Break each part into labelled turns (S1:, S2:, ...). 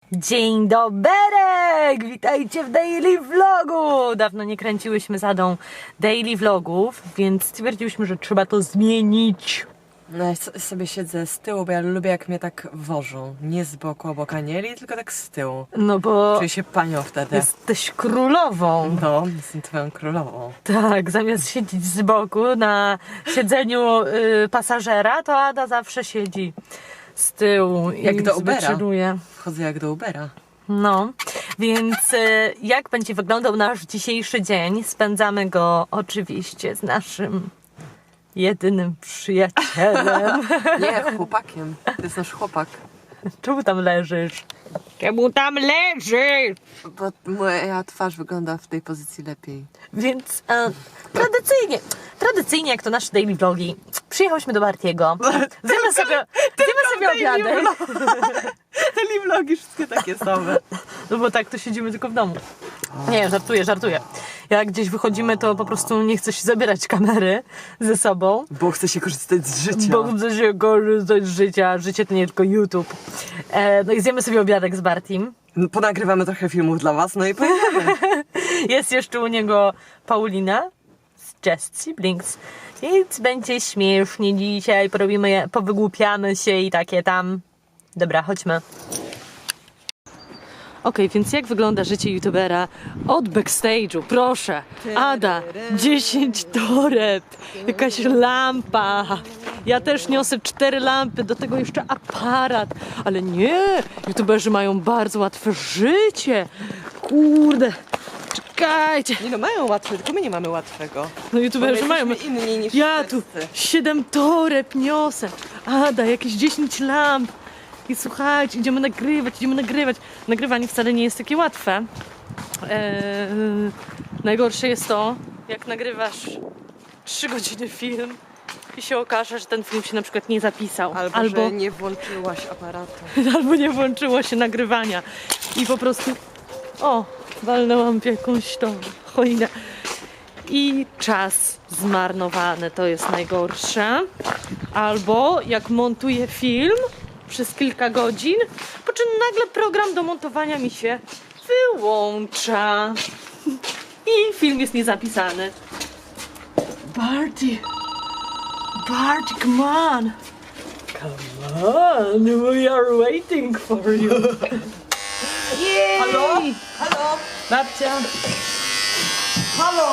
S1: Dzień doberek! Witajcie w Daily Vlogu! Dawno nie kręciłyśmy z Adą Daily Vlogów, więc stwierdziłyśmy, że trzeba to zmienić.
S2: No ja sobie siedzę z tyłu, bo ja lubię jak mnie tak wożą. Nie z boku obok Anieli, tylko tak z tyłu.
S1: No bo
S2: Czuję się panią wtedy.
S1: jesteś królową.
S2: No, jestem twoją królową.
S1: Tak, zamiast siedzieć z boku na siedzeniu pasażera, to Ada zawsze siedzi z tyłu
S2: Jak
S1: i
S2: do Ubera.
S1: zwyczajuje.
S2: Wchodzę jak do Ubera.
S1: No, więc jak będzie wyglądał nasz dzisiejszy dzień? Spędzamy go oczywiście z naszym jedynym przyjacielem.
S2: Nie, chłopakiem. To jest nasz chłopak.
S1: Czemu tam leżysz? Czemu tam leżysz?
S2: Bo moja twarz wygląda w tej pozycji lepiej.
S1: Więc tradycyjnie jak to nasze daily vlogi, przyjechałyśmy do Bartiego. Zjemy sobie obiadek.
S2: Daily vlogi wszystkie takie same.
S1: No bo tak to siedzimy tylko w domu. Nie, żartuję. Jak gdzieś wychodzimy, to po prostu nie chcę się zabierać kamery ze sobą.
S2: Bo chcę się korzystać z życia.
S1: Bo chcę się korzystać z życia. Życie to nie tylko YouTube. No i zjemy sobie obiadek z Bartim.
S2: No, ponagrywamy trochę filmów dla was, no i pojedziemy.
S1: Jest jeszcze u niego Paulina z Just Siblings. Więc będzie śmiesznie dzisiaj. Powygłupiamy się i takie tam. Dobra, chodźmy. Okej, więc jak wygląda życie youtubera od backstage'u? Proszę, Ada, 10 toreb, jakaś lampa. Ja też niosę 4 lampy, do tego jeszcze aparat. Ale nie, youtuberzy mają bardzo łatwe życie. Kurde, czekajcie.
S2: Nie no, mają łatwe, tylko my nie mamy łatwego.
S1: No youtuberzy
S2: Bo my
S1: mają.
S2: jesteśmy inni niż
S1: Ja tu
S2: wszyscy.
S1: 7 toreb niosę. Ada, jakieś 10 lamp. I słuchajcie, idziemy nagrywać. Nagrywanie wcale nie jest takie łatwe. Najgorsze jest to, jak nagrywasz 3 godziny film i się okaże, że ten film się na przykład nie zapisał.
S2: Albo że nie włączyłaś aparatu.
S1: albo nie włączyło się nagrywania. I po prostu walnęłam w jakąś tą choinę. I czas zmarnowany, to jest najgorsze. Albo jak montuję film przez kilka godzin, po czym nagle program do montowania mi się wyłącza. I film jest niezapisany. Barty, come on. Come on, we are waiting for you. Yay!
S2: Halo? Halo?
S1: Babcia.
S2: Halo?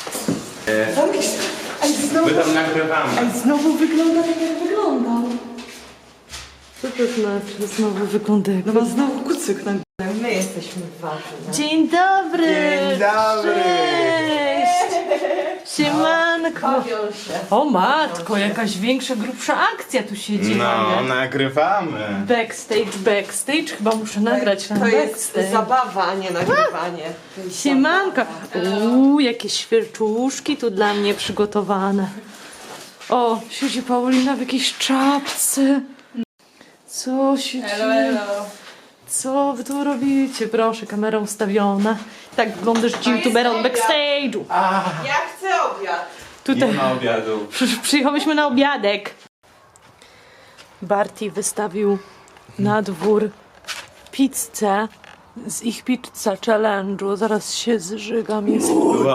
S3: My tam nagrywamy.
S1: Znowu wygląda tak, jak wyglądał. Co to znaczy znowu wygląda jak
S2: No ma znowu kucyk na górę. My jesteśmy ważni.
S1: Dzień dobry!
S3: Dzień dobry!
S1: Cześć! Siemanko!
S2: Bawią się.
S1: O matko, jakaś większa, grubsza akcja tu się dzieje.
S3: No, nagrywamy.
S1: Backstage, chyba muszę nagrać ten
S2: To jest
S1: backstage.
S2: zabawa, a nie nagrywanie. To jest
S1: Siemanko! Jakie świerczuszki tu dla mnie przygotowane. O, siedzi Paulina w jakiejś czapce. Co się dzieje? Co wy tu robicie? Proszę, kamera ustawiona. Tak wyglądasz youtubera od backstage'u.
S2: Ja chcę obiad.
S1: Tutaj
S3: Nie ma obiadu.
S1: przyjechałyśmy na obiadek. Barty wystawił na dwór pizzę z ich pizza challenge'u. Zaraz się zżygam. Jest...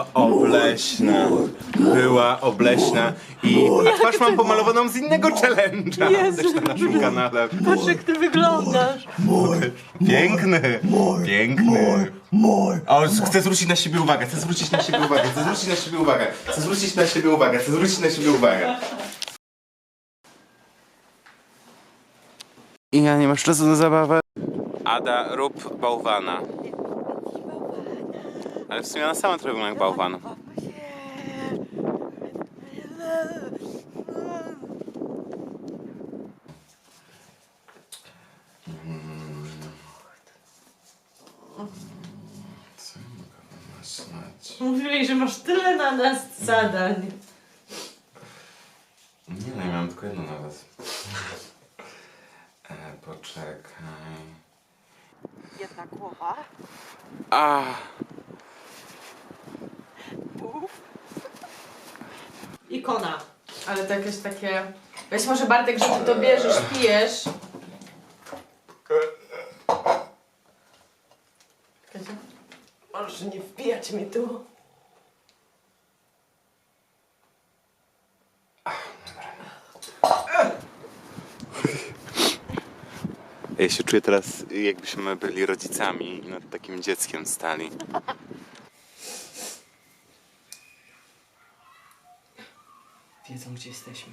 S3: Była obleśna. A twarz mam pomalowaną z innego challenge'a.
S1: Jezu.
S3: Też na naszym kanale.
S1: Patrz, jak ty wyglądasz.
S3: Piękny. O, chcę zwrócić na siebie uwagę. I ja nie masz czasu na zabawę. Ada, rób bałwana. Ale w sumie ona sama trochę wygląda jak bałwan.
S1: Mówiłeś, że masz tyle na nas zadań.
S3: Nie no, ja mam tylko jedno na was. Poczekaj.
S2: Jedna głowa.
S1: Ikona.
S4: Ale to jakieś takie... Weź może Bartek, że ty to bierzesz, pijesz.
S2: Proszę nie wbijać mi tu.
S3: Ja się czuję teraz, jakbyśmy byli rodzicami i nad takim dzieckiem stali.
S2: Wiedzą, gdzie jesteśmy.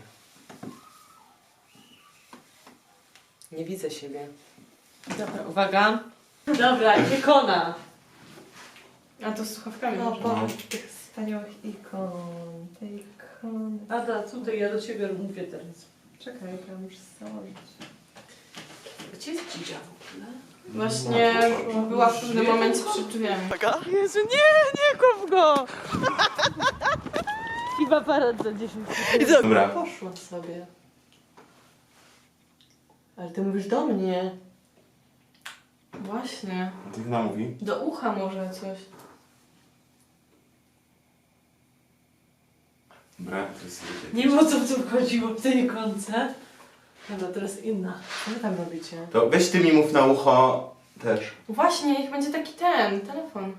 S2: Nie widzę siebie.
S1: Dobra, uwaga. Dobra, ikona.
S4: A to z słuchawkami.
S1: No,
S4: może.
S1: popatrz tych wspaniałych ikon. Te ikony. Ada, tutaj ja do ciebie mówię teraz.
S4: Czekaj, ja muszę założyć.
S1: Gdzie jest Dzidzia w ogóle?
S4: Właśnie była w pewnym momencie przed drzwiami.
S1: Jezu, nie kop go! I aparat za 10 sekund.
S3: Dobra.
S1: Poszła sobie. Ale ty mówisz do mnie.
S4: Właśnie.
S3: Ty chyba mówi?
S4: Do ucha może coś.
S3: Dobra, to jest...
S1: Nie wiem, o co tu chodziło w tej ikonce. Dobra, teraz inna.
S2: Co wy tam robicie?
S3: To weź ty mi mów na ucho też.
S4: Właśnie, niech będzie taki telefon.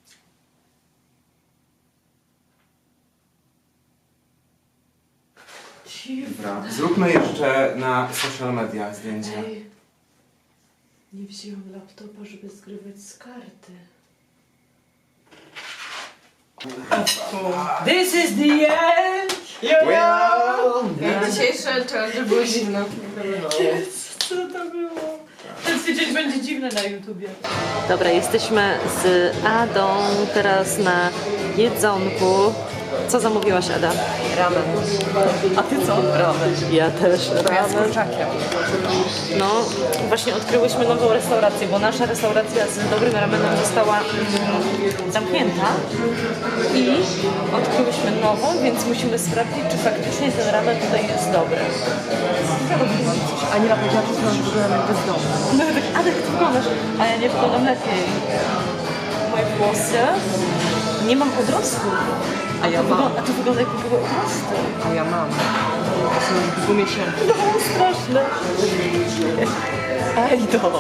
S3: Dobra. Zróbmy jeszcze na social media zdjęcie.
S1: Ej, nie wzięłam laptopa, żeby zgrywać z karty. This is the end!
S4: Dzisiejsze challenge były zimne.
S1: Co to było? Ten tydzień będzie dziwny na YouTubie. Dobra, jesteśmy z Adą teraz na jedzonku. Co zamówiłaś, Ada?
S2: Ramen. A ty co? Ramen.
S1: Ja też
S2: To ja z
S1: ramen.
S2: kurczakiem.
S1: No, właśnie odkryłyśmy nową restaurację, bo nasza restauracja z dobrym ramenem została zamknięta i odkryłyśmy nową, więc musimy sprawdzić, czy faktycznie ten ramen tutaj jest dobry.
S2: Aniela powiedziała, że znasz wyglądam jak bezdomny.
S1: No tak, Adek, ty wyglądasz, a ja nie wyglądam lepiej. Moje włosy, nie mam odrostu.
S2: A ja mam.
S1: A tu wygląda jakby były odrosty.
S2: A ja mam. To są już 2 miesiące.
S1: No, straszne.
S2: Ej, to.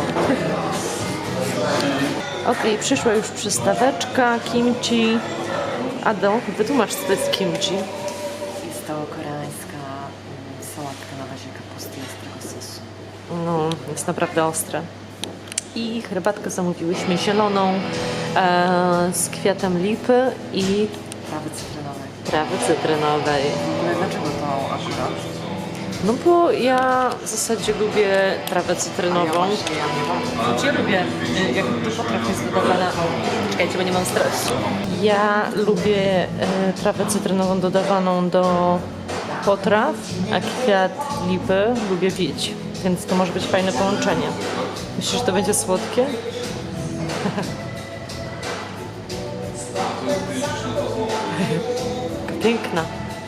S1: Okej, przyszła już przystaweczka, kimchi. Ado, wytłumacz, co to jest kimchi.
S2: Jest to koreańska sałatka na bazie kapusty i ostrego sosu.
S1: No, jest naprawdę ostre. I herbatkę zamówiłyśmy zieloną z kwiatem lipy i
S2: Trawy cytrynowej.
S1: trawy cytrynowej.
S2: W ogóle dlaczego to akurat?
S1: No bo ja w zasadzie lubię trawę cytrynową.
S2: Ja nie mam.
S1: Znaczy ja lubię, jak do potraw jest dodawana... Czekajcie, bo nie mam stresu. Ja lubię trawę cytrynową dodawaną do potraw, a kwiat lipy lubię pić. Więc to może być fajne połączenie. Myślisz, że to będzie słodkie? Piękna.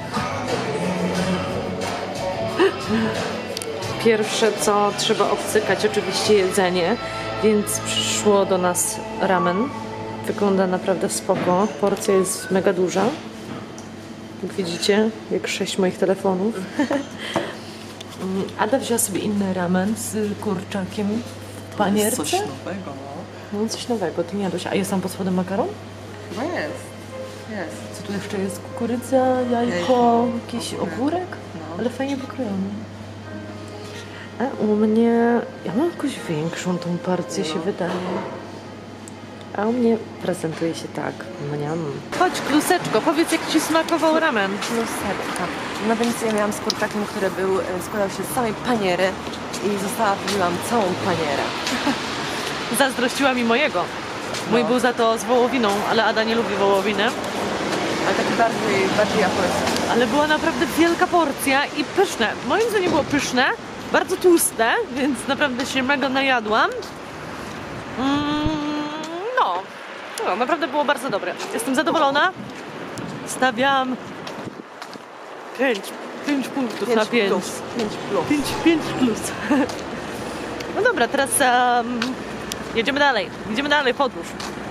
S1: Pierwsze co trzeba obcykać oczywiście jedzenie, więc przyszło do nas ramen. Wygląda naprawdę spoko. Porcja jest mega duża. Jak widzicie, jak 6 moich telefonów. Ada wzięła sobie inny ramen z kurczakiem w panierce.
S2: Coś nowego, no.
S1: No coś nowego, ty nie jadłeś. A jest tam pod spodem makaron?
S2: Chyba jest. Jest.
S1: Co tu jeszcze jest? Kukurydza, jajko, jakiś ogórek?
S2: No.
S1: Ale fajnie pokrojony. A u mnie... Ja mam jakąś większą tą porcję, się wydaje. A u mnie prezentuje się tak. Mniam. Chodź, kluseczko, powiedz, jak ci smakował ramen.
S2: Plusetka. Na Wenecji miałam z kurczakiem, który składał się z samej paniery i zostawiłam całą panierę.
S1: Zazdrościła mi mojego. Mój był za to z wołowiną, ale Ada nie lubi wołowiny.
S2: Ale taki bardziej japoński.
S1: Ale była naprawdę wielka porcja i pyszne. Moim zdaniem było pyszne, bardzo tłuste, więc naprawdę się mega najadłam. No, naprawdę było bardzo dobre. Jestem zadowolona. Stawiam 5 punktów na 5.
S2: 5 plus.
S1: 5 plus. No dobra, teraz jedziemy dalej. Idziemy dalej, podróż.